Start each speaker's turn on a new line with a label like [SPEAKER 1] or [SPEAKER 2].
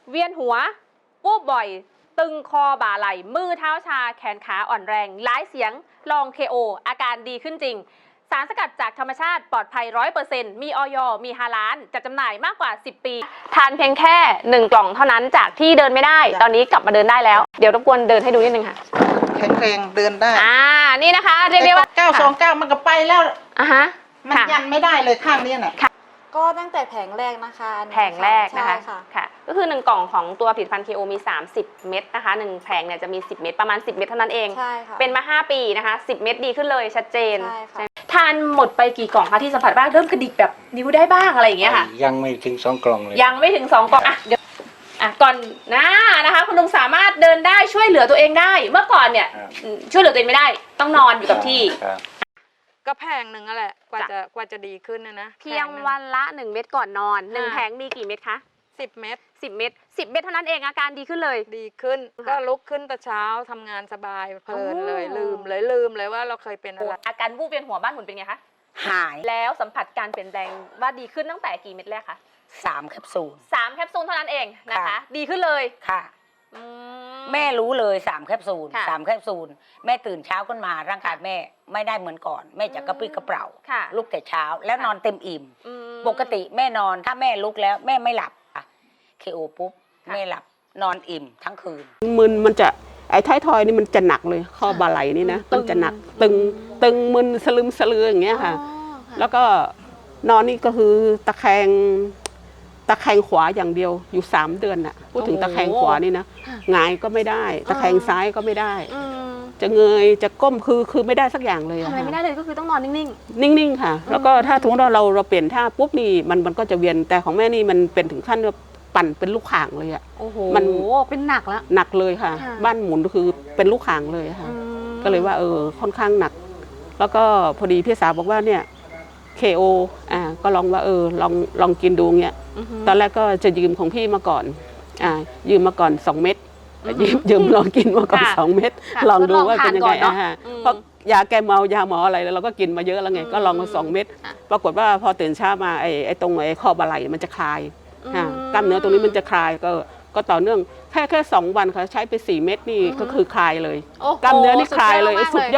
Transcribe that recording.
[SPEAKER 1] เวียนหัววูบบ่อย ตึงคอบ่าไหล่มือเท้าชาแขนขาอ่อนแรงหลายเสียงลอง KO อาการดีขึ้นจริง สารสกัดจากธรรมชาติปลอดภัย 100% มีอย.มีฮาลาลจัดจำหน่ายมากกว่า 10 ปี ทานเพียงแค่1 กล่องเท่านั้นจากที่เดินไม่ได้ตอนนี้กลับมาเดินได้แล้วเดี๋ยวรบกวนเดินให้ดูนิดนึงค่ะ
[SPEAKER 2] แข็งแรงเดินได้
[SPEAKER 1] นี่นะคะเรียกได้ว่า
[SPEAKER 2] 929มันก็ไปแล้ว
[SPEAKER 1] ฮะ
[SPEAKER 2] มันยันไม่ได้เลยข้างนี้น่ะ
[SPEAKER 3] ก็ตั้งแต่แผงแรกนะคะ
[SPEAKER 1] แผงแรกนะคะค่ะก็คือ1 กล่องของตัวผลิตภัณฑ์ KO มี30 เม็ดนะคะ1แผงเนี่ยจะมี10 เม็ดประมาณ10 เม็ดเท่านั้นเอง
[SPEAKER 3] ใช่ค่ะ
[SPEAKER 1] เป็นมา5 ปีนะคะ10 เม็ดดีขึ้นเลยชัดเจน
[SPEAKER 3] ใช่ค่ะ
[SPEAKER 1] ทานหมดไปกี่กล่องคะที่สัมผัสบ้างเริ่มกระดิกแบบนิ้วได้บ้างอะไรอย่างเงี้ยค่ะ
[SPEAKER 4] ยังไม่ถึง2 กล่องเลย
[SPEAKER 1] ยังไม่ถึง2 กล่องเดี๋ยวก่อนนะคะคุณลุงสามารถเดินได้ช่วยเหลือตัวเองได้เมื่อก่อนเนี่ยช่วยเหลือตัวเองไม่ได้ต้องนอนอยู่กับที่
[SPEAKER 5] ก็แพงหนึ่งนั่นแหละกว่าจะดีขึ้นนะ
[SPEAKER 1] เพียงวันละ1 เม็ดก่อนนอน1 แผงมีกี่เม็ดคะ
[SPEAKER 5] 10 เม็ด
[SPEAKER 1] 10 เม็ด10 เม็ดเท่านั้นเองอาการดีขึ้นเลย
[SPEAKER 5] ดีขึ้นก็ลุกขึ้นแต่เช้าทำงานสบายเพลินเลยลืมเลยว่าเราเคยเป็นอะไร
[SPEAKER 1] อาการวูบเวียนหัวบ้านหมุนเป็นไงคะ
[SPEAKER 6] หาย
[SPEAKER 1] แล้วสัมผัสการเปลี่ยนแปลงว่าดีขึ้นตั้งแต่กี่เม็ดแรกคะ
[SPEAKER 6] 3 แคปซูล
[SPEAKER 1] 3 แคปซูลเท่านั้นเองนะคะดีขึ้นเลย
[SPEAKER 6] ค่ะแม่รู้เลย3 แคปซูล3 แคปซูลแม่ตื่นเช้าขึ้นมาร่างกายแม่ไม่ได้เหมือนก่อนแม่จะกระปรี้กระเปร่าลุกแต่เช้าแล้วนอนเต็มอิ่มปกติแม่นอนถ้าแม่ลุกแล้วแม่ไม่หลับKOปุ๊บแม่หลับนอนอิ่มทั้งคืน
[SPEAKER 7] มันจะไอ้ท้ายทอยนี่มันจะหนักเลยข้อบ่าไหล่นี่นะมันจะหนักตึงมึนสลึมสลืออย่างเงี้ยค่ะแล้วก็นอนนี่ก็คือตะแคงขวาอย่างเดียวอยู่3 เดือนน่ะพูดถึงตะแคงขวานี่นะหงายก็ไม่ได้ตะแคงซ้ายก็ไม่ได้จะเงยจะก้มคือไม่ได้สักอย่างเลย
[SPEAKER 1] ทำอะไรไม่ได้เลยก็คือต้องนอนนิ่
[SPEAKER 7] งๆค่ะแล้วก็ถ้าสมมติเราเปลี่ยนท่าปุ๊บนี่มันก็จะเวียนแต่ของแม่นี่มันเป็นถึงขั้นว่าปั่นเป็นลูกข่างเลยอ่ะ
[SPEAKER 1] โอ้โหมันเป็นหนักแล้ว
[SPEAKER 7] หนักเลยค่ะบ้านหมุนก็คือเป็นลูกข่างเลยค่ะก็เลยว่าค่อนข้างหนักแล้วก็พอดีพี่สาวบอกว่าเนี่ยKOก็ลองว่าลองกินดูเงี้ยตอนแรกก็จะยืมของพี่มาก่อนยืมมาก่อน2 เม็ดยืมลองกินมาก่อน2 เม็ดลองดูว่าเป็นยังไงเพราะยาแก้เมายาหมออะไรแล้วเราก็กินมาเยอะแล้วไงก็ลองมา2 เม็ดปรากฏว่าพอตื่นเช้ามาไอ้ตรงข้อบ่าไหล่มันจะคลายกล้ามเนื้อตรงนี้มันจะคลายก็ต่อเนื่องแค่2 วันค่ะใช้ไป4 เม็ดนี่ก็คือคลายเลยกล้ามเนื้อนี่คลายเลยสุดยอด